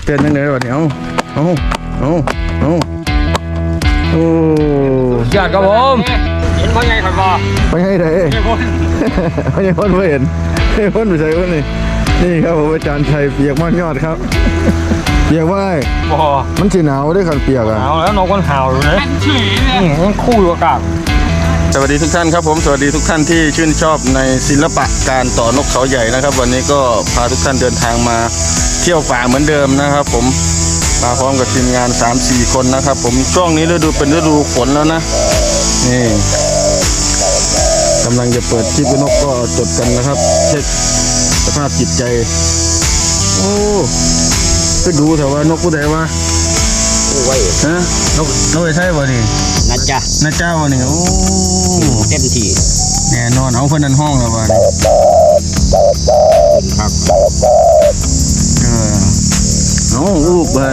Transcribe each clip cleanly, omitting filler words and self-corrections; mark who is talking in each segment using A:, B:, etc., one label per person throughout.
A: เป็นยังไงวะเนี่ยเอาโอ้
B: ยอดครับผมเห็นพ่อใหญ่ข่อยบ่
A: ไปให้ไหนไม่ใช่คนไม่เห็นไม่คนไม่ใช่คนนี่ครับผมอาจารย์ชัยเปียกมากยอดครับเปียกว่า
B: บ่
A: มันสีหนาวด้วยครับเปียกอ่ะ
B: หนาวแล้วนกมันห่าวอยู่เลยยังคู่อยู่อากาศ
A: สวัสดีทุกท่านครับผมสวัสดีทุกท่านที่ชื่นชอบในศิลปะการต่อนกเขาใหญ่นะครับวันนี้ก็พาทุกท่านเดินทางมาเที่ยวป่าเหมือนเดิมนะครับผมมาพร้อมกับทีมงาน 3-4 คนนะครับผมช่วงนี้ฤดูเป็นฤดูฝนแล้วนะนี่กำลังจะเปิดคลิปนกก็จดกันนะครับเช็คสภาพจิตใจโอ้ก็ดูแต่ว่านกผู้ใดวะ
B: ไว้
A: ฮะนกไอ้ใช่ป่ะนี่
B: นะจ๊ะ
A: นะเจ้านี่โอ้
B: เต็มที่
A: แน่นอนเอาเพื่อนนั่นห้องแล้วป่ะ
B: ครับ
A: เอาลูกเบิร์น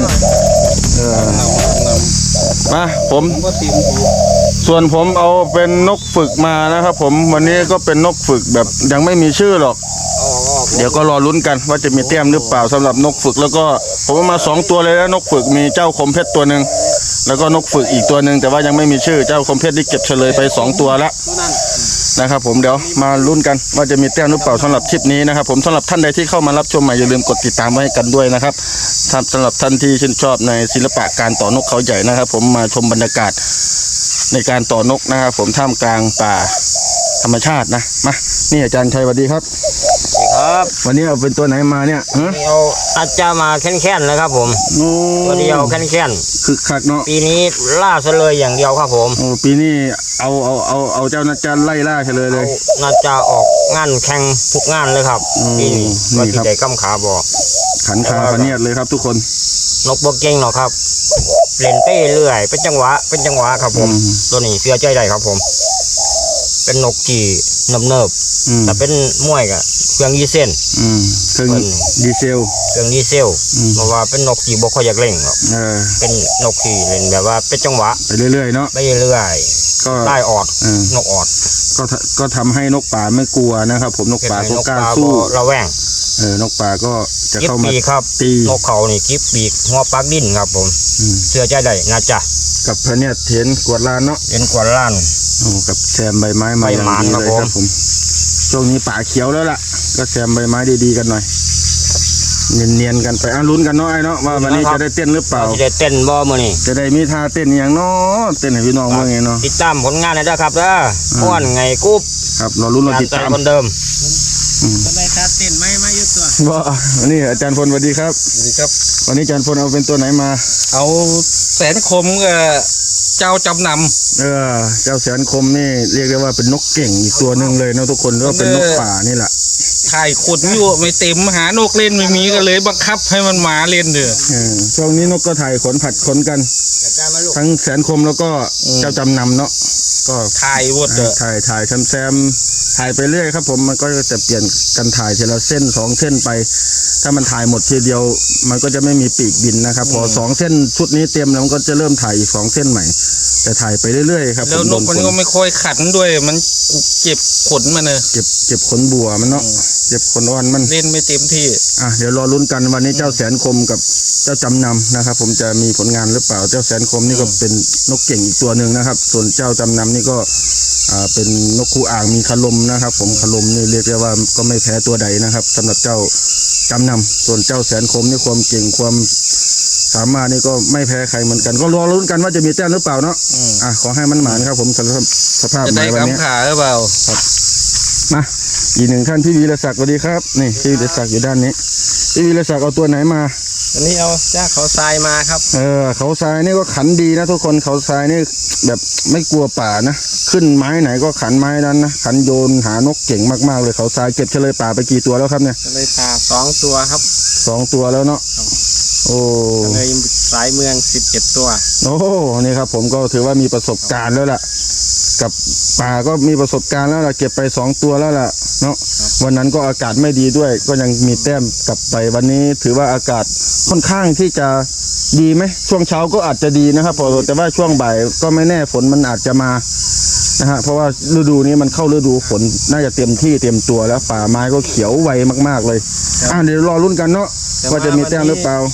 A: มาผมส่วนผมเอาเป็นนกฝึกมานะครับผมวันนี้ก็เป็นนกฝึกแบบยังไม่มีชื่อหรอกเดี๋ยวก็รอลุ้นกันว่าจะมีแต้มหรือเปล่าสำหรับนกฝึกแล้วก็ผมเอามา2ตัวเลยนะนกฝึกมีเจ้าคมเพชรตัวหนึ่งแล้วก็นกฝึกอีกตัวหนึ่งแต่ว่ายังไม่มีชื่อเจ้าคมเพชรที่เก็บเฉลยไป2ตัวแล้วนะครับผมเดี๋ยวมาลุ้นกันว่าจะมีแต้มหรือเปล่าสำหรับคลิปนี้นะครับผมสำหรับท่านใดที่เข้ามารับชมใหม่อย่าลืมกดติดตามไว้กันด้วยนะครับสำหรับท่านที่ชื่นชอบในศิลปะการต่อนกเขาใหญ่นะครับผมมาชมบรรยากาศในการต่อนกนะครับผมท่ามกลางป่าธรรมชาตินะมานี่อาจารย์ชัยสวัสดีครับ
B: ครับ
A: วันนี้เอาเป็นตัวไหนมาเนี่ย
B: เอาอาจารย์มาแค่นๆเลยครับผมตัวเดียวแค่น
A: คือคักเนาะ
B: ปีนี้ล่าเฉลยอย่างเดียวครับผม
A: โอ้ปีนี้เอาเจ้านักจันไล่ล่าเฉลยเลย
B: น่าจะออกงานแข่งทุกงานเลยครับปีนี้ว่าที่ใดก้ำขาบอก
A: ขันขาพันเนียดเลยครับทุกคน
B: นกบกเก่งเนาะครับเล่นไปเรื่อยเป็นจังหวะครับผมตัวนี้เสียใจได้ครับผมเป็นนกที่เนิบแต่เป็นมวยกับเครื่องยีเซน
A: เครื่องดีเซล
B: เพราะว่าเป็นนกที่บ่ค่อยอยากเล่นหรอกเป็นนกที่เล่นแบบว่าเป็นจังหวะ
A: ไปเรื่อยๆเนาะ
B: ไปเรื่อยก็ได้ออดนกออด
A: ก็ทำให้นกป่าไม่กลัวนะครับผมนกป่าก็กล้าสู้
B: ระแวง
A: นกป่าก็จะเข้ามา
B: ตีนกเขานี่กิ๊บปีกหัวปักดิ้นครับผมเสื้อใจได้นะจ๊ะ
A: กับพระเนี่ยเห็นกวดลานเนาะ
B: เห็นกวดลาน
A: กับแซมใบไม้มาอย่างดีเลยครับผมช่วงนี้ป่าเขียวแล้วล่ะก็แซมใบไม้ดีๆกันหน่อยเนียนๆกันไปลุ้นกันเนาะไอ้เนาะว่าวันนี้จะได้เต้นหรือเปล่า
B: จะได้เต้นบ่มื้อนี้
A: จะได้มีท่าเต้นอย่างเนาะเต้นให้พี่น้องเมื่อไงเนาะ
B: ติดตามผลงานได้ครับม้วนไงกุ๊บ
A: ครับเราลุ้นเราติดตาม
B: คนเดิม
C: จะได้ท่าเต้นไม่ยุดตัว
A: ว่าวันนี้อาจารย์พลสวัสดีครับ
C: สวัสดีครับ
A: วันนี้อาจารย์พลเอาเป็นตัวไหนมา
C: เอาแสนคมเจ้าจำน
A: ำเจ้าแสนคมนี่เรียกได้ว่าเป็นนกเก่งอีกตัวหนึ่งเลยนะทุกคนก็เป็นนกป่านี่แหละ
C: ถ่ายขุดอยู่ไม่เต็มหานกเล่นไม่มีก็เลยบังคับให้มันมาเล่นเด้อ
A: ช่วงนี้นกก็ถ่ายขนผัดขนกันทั้งแสนคมแล้วก็เจ้าจำนำเนาะก็
C: ถ่ายวนเด้อ
A: ถ่ายแซมถ่ายไปเรื่อยครับผมมันก็จะเปลี่ยนกันถ่ายทีละเส้น2เส้นไปถ้ามันถ่ายหมดทีเดียวมันก็จะไม่มีปีกบินนะครับพอ2เส้นชุดนี้เต็มแล้วมันก็จะเริ่มถ่ายอีก2เส้นใหม่จะถ่ายไปเรื่อยๆครับ
C: แล้วนกมันก็ไม่ค่อยขันด้วยมันเจ็บขนมันเลย
A: เจ็บขนบัวมันเนาะเจ็บขนอ่อนมัน
C: เล่นไม่เต็มที่
A: เดี๋ยวรอลุ้นกันวันนี้เจ้าแสนคมกับเจ้าจำนำนะครับผมจะมีผลงานหรือเปล่าเจ้าแสนคมนี่ก็เป็นนกเก่งอีกตัวหนึ่งนะครับส่วนเจ้าจำนำนี่ก็เป็นนกคู่อ่างมีคลมนะครับผมคลมนี่เรียกได้ว่าก็ไม่แพ้ตัวใดนะครับสำหรับเจ้าจำนำส่วนเจ้าแสนคมนี่ความเก่งความสามารถนี่ก็ไม่แพ้ใครเหมือนกันก็รอลุ้นกันว่าจะมีแต้มหรือเปล่าเนาะขอให้มันหมานครับผมสภาพ
C: จะได้กำขาหรือเปล่า
A: ครับมาอีกหนึ่งท่านพี่วีรศักดิ์สวัสดีครับนี่พี่วีรศักดิ์อยู่ด้านนี้พี่วีรศักดิ์เอาตัวไหนมา
C: อันนี้เอาจ้าเขาทรายมาครับ
A: เขาทรายนี่ก็ขันดีนะทุกคนเขาทรายนี่แบบไม่กลัวป่านะขึ้นไม้ไหนก็ขันไม้นั้นนะขันโยนหานกเก่งมากๆเลยเขาทรายเก็บเฉลยป่าไปกี่ตัวแล้วครับเนี่ย
C: เฉลยป่า2 ตัวครับ
A: 2 ตัวแล้วเนาะโอ้
C: เลยสายเมือง17 ตัว
A: โอ้นี่ครับผมก็ถือว่ามีประสบการณ์แล้วล่ะกับป่าก็มีประสบการณ์แล้วล่ะเก็บไป2 ตัวแล้วล่ะเนาะวันนั้นก็อากาศไม่ดีด้วยก็ยังมีแต้มกลับไปวันนี้ถือว่าอากาศค่อนข้างที่จะดีไหมช่วงเช้าก็อาจจะดีนะครับแต่ว่าช่วงบ่ายก็ไม่แน่ฝนมันอาจจะมานะฮะเพราะว่าฤดูนี้มันเข้าฤดูฝนน่าจะเต็มที่เต็มตัวแล้วป่าไม้ก็เขียวไวมากๆเลยเดี๋ยวรอลุ้นกันเนาะว่าจะมีแต้มหรือเปล่า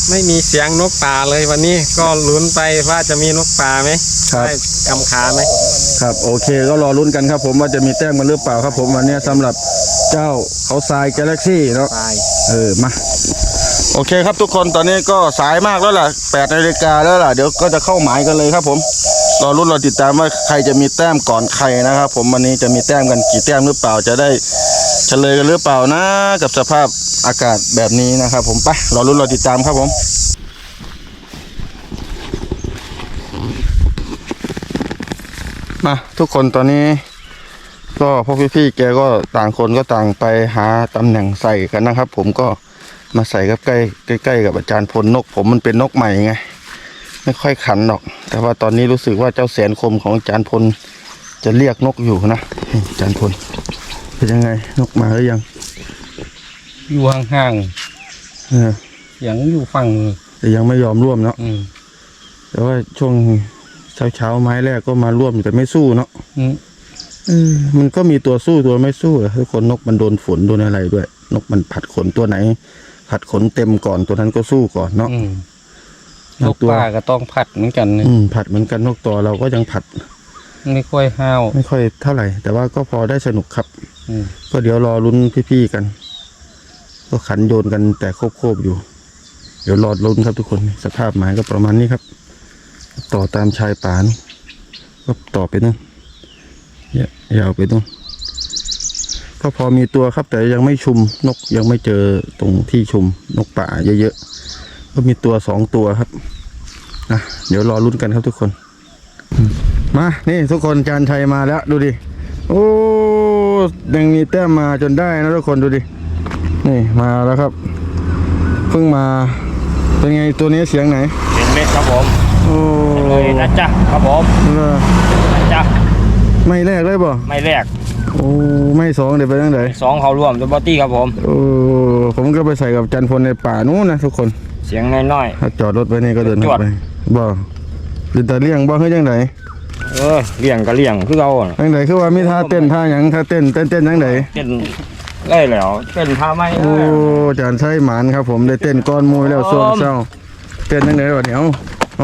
D: ไม่มีเสียงนกป่าเลยวันนี้ก็ลุ้นไปว่าจะมีนกป่าไหม
A: ครับ
D: ได้กำขาไหม
A: ครับโอเคก็รอลุ้นกันครับผมว่าจะมีแต้มกันหรือเปล่าครับผมวันนี้สำหรับเจ้าเขาทรายกาแล็กซี่เนาะ
D: ตาย
A: มาโอเคครับทุกคนตอนนี้ก็สายมากแล้วล่ะ8 นาฬิกาแล้วล่ะเดี๋ยวก็จะเข้าหมายกันเลยครับผมรอลุ้นรอติดตามว่าใครจะมีแต้มก่อนใครนะครับผมวันนี้จะมีแต้มกันกี่แต้มหรือเปล่าจะได้เฉลยกันหรือเปล่านะกับสภาพอากาศแบบนี้นะครับผมไปรอลุ้นรอติดตามครับผมมาทุกคนตอนนี้ก็พวกพี่ๆแกก็ต่างคนก็ต่างไปหาตำแหน่งใส่กันนะครับผมก็มาใส่กับใกล้กับอาจารย์พลนกผมมันเป็นนกใหม่ไงไม่ค่อยขันหรอกแต่ว่าตอนนี้รู้สึกว่าเจ้าแสนคมของอาจารย์พลจะเรียกนกอยู่นะอาจารย์พลเป็นยังไงนกมาหรือยัง
C: อยู่ห่าง
A: เออ
C: ๆอย่างอยู่ฝั่ง
A: แต่ยังไม่ยอมร่วมเนาะแต่ว่าช่วงเช้าไม้แรกก็มาร่วมแต่ไม่สู้เนาะมันก็มีตัวสู้ตัวไม่สู้ทุกคนนกมันโดนฝนโดนอะไรด้วยนกมันผัดขนตัวไหนผัดขนเต็มก่อนตัวนั้นก็สู้ก่อนเนาะ
C: นกป่าก็ต้องผัดเหมือนกันนะ
A: ผัดเหมือนกันนกตัวเราก็ยังผัด
C: ไม่ค่อยห้าว
A: ไม่ค่อยเท่าไหร่ แต่ว่าก็พอได้สนุกครับก็เดี๋ยวรอลุ้นพี่ๆกัน ก็ขันโยนกันแต่โคบๆอยู่ เดี๋ยวรอลุ้นครับทุกคนสภาพหมายก็ประมาณนี้ครับ ต่อตามชายป่านี่ก็ต่อไปนู่นยาวไปนู่นก็พอมีตัวครับแต่ยังไม่ชุมนกยังไม่เจอตรงที่ชุมนกป่าเยอะๆก็มีตัว2 ตัวครับเดี๋ยวรอลุ้นกันครับทุกคนมานี่ทุกคนจานชัยมาแล้วดูดิโอ้ยังมีแต้มมาจนได้นะทุกคนดูดินี่มาแล้วครับเพิ่งมาเป็นไงตัวนี้เสียงไหน
B: เป็นเม็ดครับผม
A: โอ้
B: เลยนะจ๊ะครับผมนะจ๊ะ
A: ไม่แรกเลยบ่
B: ไม่แรก
A: โอ้ไม่2เดี๋ยวไปทางไหน
B: 2เขาร่วมตัวบอตี้ครับผม
A: โอ้ผมก็ไปใส่กับจันพลในป่านู้นนะทุกคน
B: เสียงน้อย
A: ถ้าจอดรถไว้นี่ก็เดิน
B: จอด
A: ไปบ่หรือแต่เลี้ยงบ่เฮ้ยจังได
B: เลี้ยงก็เลี้ยงคือเราอะ
A: จังไดคือว่ามีท่าเต้นท่าหยังท่าเต้นจังได
B: เต้นได้แล้วเต้นท่าไม้
A: โอ้จานใช้หมานครับผมได้เต้นก้อนมวยแล้วส่วนเศร้าเต้นจังไดวะเนี่ยเอา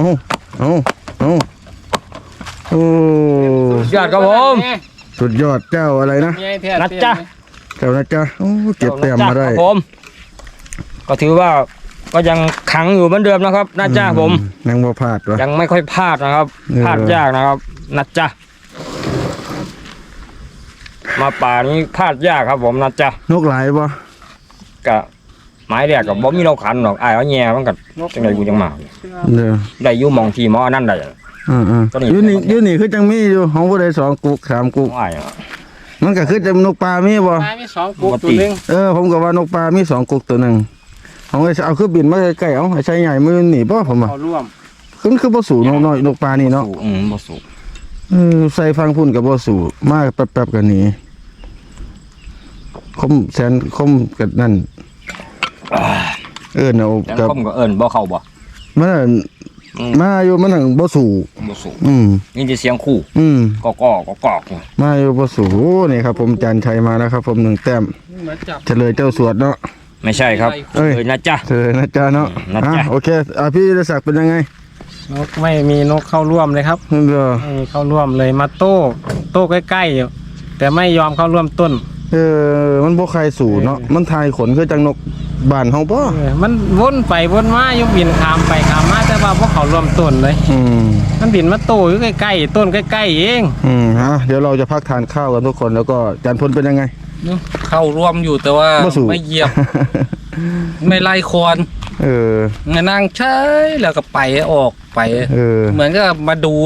A: โอ้
B: ยอดครับผม
A: สุดยอดเจ้าอะไรนะ
B: นะจ๊ะ
A: เจ้านะจ๊ะโอ้เก็บแต้มมาได้
B: ครับผมก็ถือว่าก็ยังขังอยู่เหมือนเดิมนะครับนะจ๊ะผม
A: ยังบ่พลาดวะ
B: ยังไม่ค่อยพลาดนะครับ พลาดยากนะครับนะจ๊ะมาป่านี้พลาดยากครับผมนะจ๊ะ
A: นกหลายบ่
B: กะไม้แรกกับบ่มีเราขันหรอกอ้ายเอาแย่มันก็จังไดกูจังมา
A: เด้อ
B: ได้อยู่หมองที่หมออันนั้นได้ ตัวนี้
A: อยู่นี่คือจังมีอยู่ของผู้ใด2กุก3กุก
B: อ้าย
A: มันก็คือจะนกปลามีบ่
D: ตายไม่2กุ๊กตัวหนึง
A: ผมก็ว่านกปลามี2กุกตัวหนึงเอาไว้เอาคือบินมาใกล้ๆเอาให้ใช้ใหญ่มือหนีบ่ผมว่า
D: เขาร่วม
A: คือบ่สูนกน้อยนกปลานี่เนาะ
B: สู้บ่สู้
A: ใส่ฟังพุ่นก็บ่สูมาแป๊บๆก็หนีคมแสนคมกับนั่นเอา
B: แต่
A: กับ
B: คมก็เอิ้นบ่เข้าบ่
A: มันนะมาอยู่มันนั่งบ่สู
B: บ่สู้
A: นี่
B: จะเสียงคู่ก็
A: มาอยู่บ่สูโอ้นี่ครับผมจันชัยมาแล้วครับผม1แต้ม
D: เหมือนจับ
A: เฉลยเจ้าสวดเนาะ
B: ไม่ใช่ครับ
A: เอ้ย
B: เลยนะจ๊ะ
A: เฉลยนะจ๊ะเนาะ
B: นะจ๊ะ
A: โอเคพี่ธีรศักดิ์เป็นยังไง
D: นกไม่มีนกเข้าร่วมเลยครับ
A: เด้อ
D: ไม่มีเข้าร่วมเลยมาโต้ใกล้ๆอยู่แต่ไม่ยอมเข้าร่วมต้น
A: มันบ่ใครสู่เนาะมันทายขนคือจังนกบ้านเฮาบ่
D: มันวนไปวนมาอยู่บินขามไปขามมาแต่ว่าพวกเขาร่วมต้นเลย มันบินมาโตอยู่ใกล้ๆต้นใกล้ๆเอง
A: เดี๋ยวเราจะพักทานข้าวกันทุกคนแล้วก็จานพลเป็นยังไง
C: เข้าร่วมอยู่แต่ว่า
A: บ่สู่
C: ไม่เหยียบ ไม่ไล่คอน นั่งใช้แล้วก็ไปออกไป เหมือนก็มาดู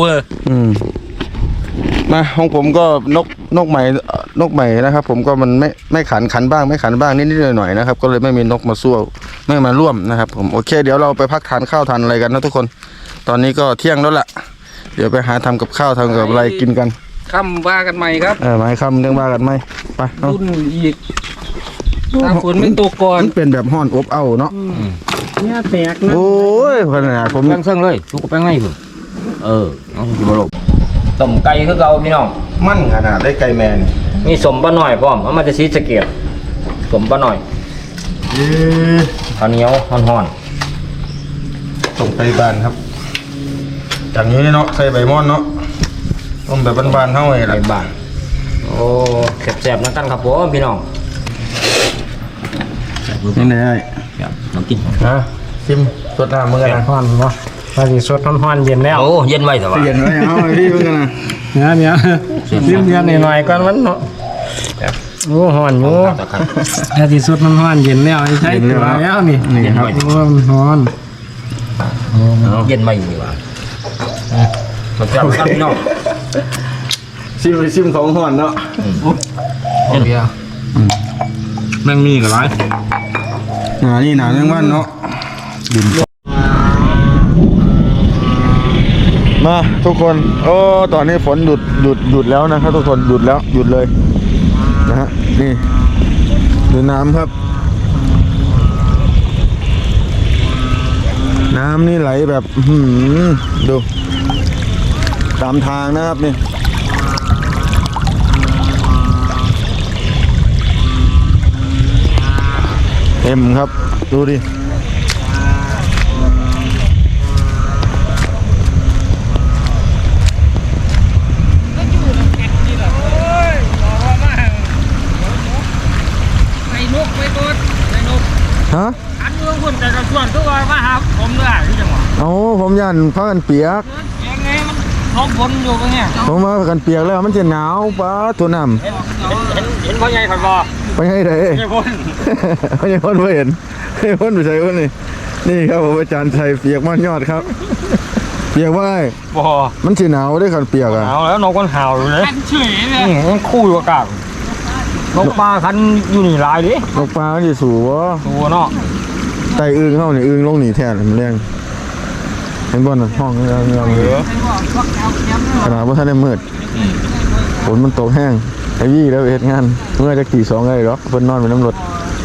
A: มาของผมก็นกใหม่นะครับ ผมก็มันไม่ขันบ้างไม่ขันบ้างนิดๆหน่อยๆนะครับก็เลยไม่มีนกมาสู้ไม่มาร่วมนะครับผมโอเคเดี๋ยวเราไปพักทานข้าวทานอะไรกันนะทุกคนตอนนี้ก็เที่ยงแล้วล่ะเดี๋ยวไปหาทำกับข้าวทำกับอะไรกินกัน
C: ค่ำว่ากันใหม่ครับ
A: หมายคำเรื่องว่ากันไหมไปเอา
C: รุ่นอีกถ้าฝนไม่ตกก่อน
A: มันเป็นแบบห่อนอบเอ้าเนาะ
D: เนี่ยแตกนะ
A: โอ้ยขนาดผม
B: แป้งเซิงเลยลูกกับแป้งไงพุ่นเอาสิบ่ลงต้มไก่คือเก่าพี่น้อง
A: มั่นขนาดได้ไก่แมน
B: มีสมปลาหน่อยพร้อมเอามาจะซีสะเกียบสมปลาหน่อยข้าวเหนียวฮ้อน
A: ส่งไปบ้านครับจากนี้เนาะใส่ใบม่อนเนาะต้มแบบบ้านๆเท่าไหร่
B: ใน
A: ล่ะ
B: บ้านโอ้แซ่บๆนั่นกันครับผมพี่น้อง
A: นี่ไง
B: ครับน้ำกิน
D: ฮะ
A: ชิมสดน้ำมึงกันนะ
D: ฮ้อนบ่ว่าสิสดฮ้อนๆเย็นแล้ว
B: โอ้เย็นไว้แต่ว่า
A: เปลี่ยนไว้เอาไอ้พี่มึงกันนะ
D: เนี่ยซิมเย็นหน่อยๆก่อนมันเนาะโอ้ฮ้อนอยู่ถ้าสิสดฮ้อนๆเย็นแล้วใช้ตัวแล้วนี่
A: นี่ครับ
D: โอ้มันฮ้อน
B: เย็นไว้อยู่ดีกว่าแซ่บๆครับพี่น้อง
A: ชิมของห่อนเนาะ
B: เย็นเบียร์
D: แม่งมีก็หลาย
A: นี่หนาเรื่องวันเนาะดินมาทุกคนโอ้ตอนนี้ฝนหยุดแล้วนะครับทุกคนหยุดแล้วหยุดเลยนะฮะนี่ดูน้ำครับ น้ำนี่ไหลแบบดูตามทางนะครับนี่เต็มครับดูดิฮะ
C: อันเมืองคนแต่กระส่วนตัวมาหาผมด้วยที่จังหวัด
A: เอาผมยันผ้ากันเปียก
C: ยังไงมันท้องฝนอยู่ปะเนี่ย
A: ผมมาผ้ากันเปียกแล้วมันจะหนาวป้าตัวน้
C: เห็นพ่อใหญ่ผ่านบ่
A: ำไปให้ไหน
C: ไม่พ้น
A: ไม่ใช่คนไม่เห็นไม่ใช่คนไม่ใช่คนนี่ครับผมอาจารย์ชัยเปียกมันยอดครับ เปียกว่าไง
C: บ่
A: มันจะหนาวได้ขันเปียกอ่ะ
C: เอาแล้วนกมันเห่าอยู่เลยเฉยเลยมันคู่อยู่กับกลางนกปลาคันอยู่นี่หลายดิ
A: นกปลามันจะสูวะ
C: ตัวเนาะ
A: ไตอึ้งเข้านี่อึ้งลงหนีแทนมันแรงเห็นบ่น่ะห้องเงาเลยขนาดว่าท่านได้มืดฝนมันตกแห้งไอ้ยี่แล้วเหตุงานเมื่อจะกี่2ไงหรอกเพิ่นนอนเป็นน้ำรถ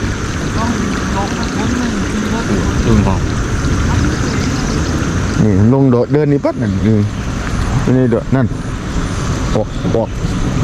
B: ดึงของ
A: นี่ลงโดดเดินนี่ปั๊ดนั่นนี่โดดนั่นออก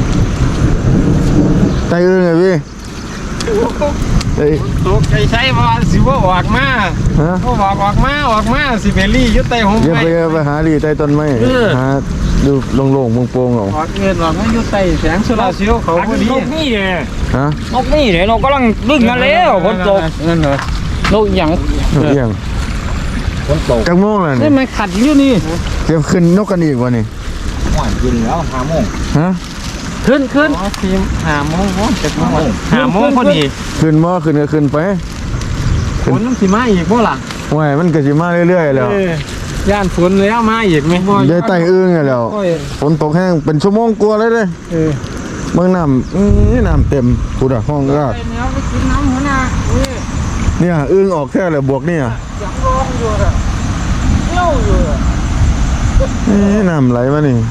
A: ไตอึ้งไงพี่ไอ้
D: ตกใจใช้ว่าสิบ่ออกมา
A: ฮะ
D: บ่ออกมาสิไปรี่อยู่ใต้ห่ม
A: อย่า
D: ไม้
A: ไปหาดีใต้ต้นไม้หาดูโล่งๆโปร่งๆเอา
D: ออกเงินออกมาอยู่ใต้แสงโซลาร์เซลล์เขาพอดี
B: นกนี่เนี่ย
A: ฮะ
B: นกนี่เนี่ยนกกำลังดึงมาแล้วฝนตก
D: เงินเหรอโลกหยัง
A: เอียง
B: ฝนตก
A: จักโมงแล้ว
D: นี่
A: นี่
D: มันขัดอยู่นี่
A: จะขึ้นนกกันอีกวะนี่
B: ห่วยกินแล้ว5 โมง
A: ฮะ
D: ขึ้นอ๋อทีม5 โมงบ่7 โมง5 โมงพอดี
A: ขึ้นบ่ขึ้นก็ขึ้นไป
D: ฝนมันสิมาอีกบ่ล่ะ
A: ห่วยมันก็สิมาเรื่อยๆแล้ว
D: ย่านฝนแล้วมาอีกไหมบ่
A: ได้ไต่อึ้งแล้ว
D: โอ้ย
A: ฝนตกแห้งเป็นชั่วโมงกว่าเลยเด้ เมืองน้ำน้ำเต็มพูดอะห้องก็
C: ไปเนื้อไปกินน้ำหัวหน้าอุ้ย
A: เนี่ยอึ้งออกแค่เลยบวกเนี่ย
C: เสียงร้องอยู่อะเที่ยวอยู่อะ
A: นี่น้ำไหลมานี่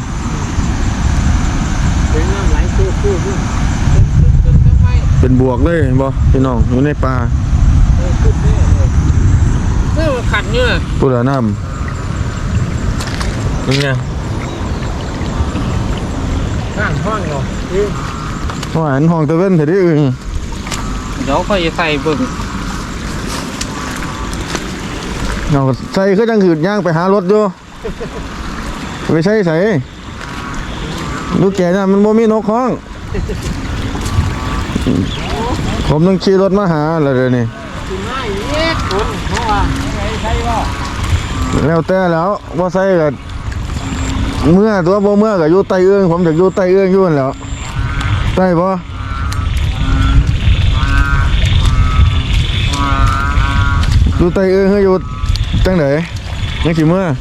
C: เป็นน้ำไหลคู่ขึ้นทำไม
A: เป็นบวกเลยเห็นบ่พี่น้องอยู่ในป่า
C: คือขัดเนี่ย
A: พูดอะน้ำเป็นไง
D: ข้างห้องอยู่
A: หวานห้องตะเว้นเถอะดิอึ้ง
C: เดี๋ยวค่อยใส่เบิ่ง
A: เอาใส่คือจังหืดย่างไปหารถอยู่ไปใส่ใส่ลูกแก่น่ะมันบ่มีนกห้อง ผมต้องขี่รถมาหาแล้วเดี๋ยวนี้
C: มาอีกคนเพราะว่าใช่ป่ะ
A: แล้วแต่แล้วว่าใส่กับเมื่อตัวบ่เมื่อกับอยู่ใต้เอื้องผมอยากอยู่ใต้เอื้องอยู่นั่นแหล้วใต้บ่อยู่ใต้เอื้องคืออยู่จังไหนยังสิเมื่อ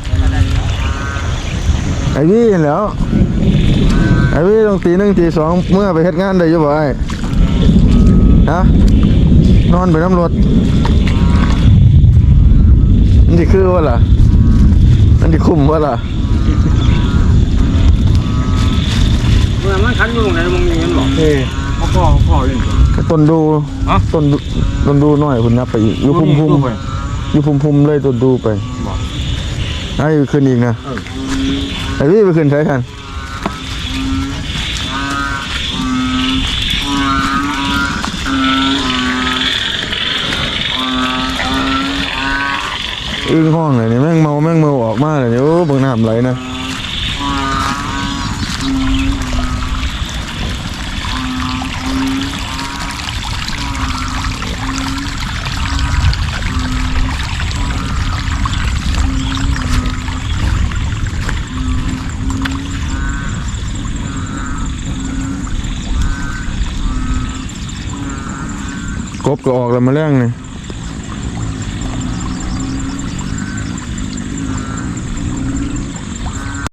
A: ไอ้วี่นั่นแหล้วไอ้วี่ต้องตี 1 ตี 2เมื่อไปเฮ็ดงานได้อยู่บ่ไอ้ฮะนอนไปน้ำรถมันสิคือว่าล่ะมันสิคุ้มว่าล่ะ
C: เมื่อมันขันอยู่ไหนมึงมีเงินบอกพ่อเล่น
A: ต้นดูต้นดูหน่อยคุณนับไปอีกอยู่พุ่มอยู่พุ่มเลยต้นดูไปไอ้ขึ้นอีกนะไอ้พี่ไปขึ้นใช้กันอึ้งห้องเลยนี่แม่งเมาออกมาเลยโอ้เบิ่งน้ำไหลนะกบก็ออกแล้วมาแรงนี่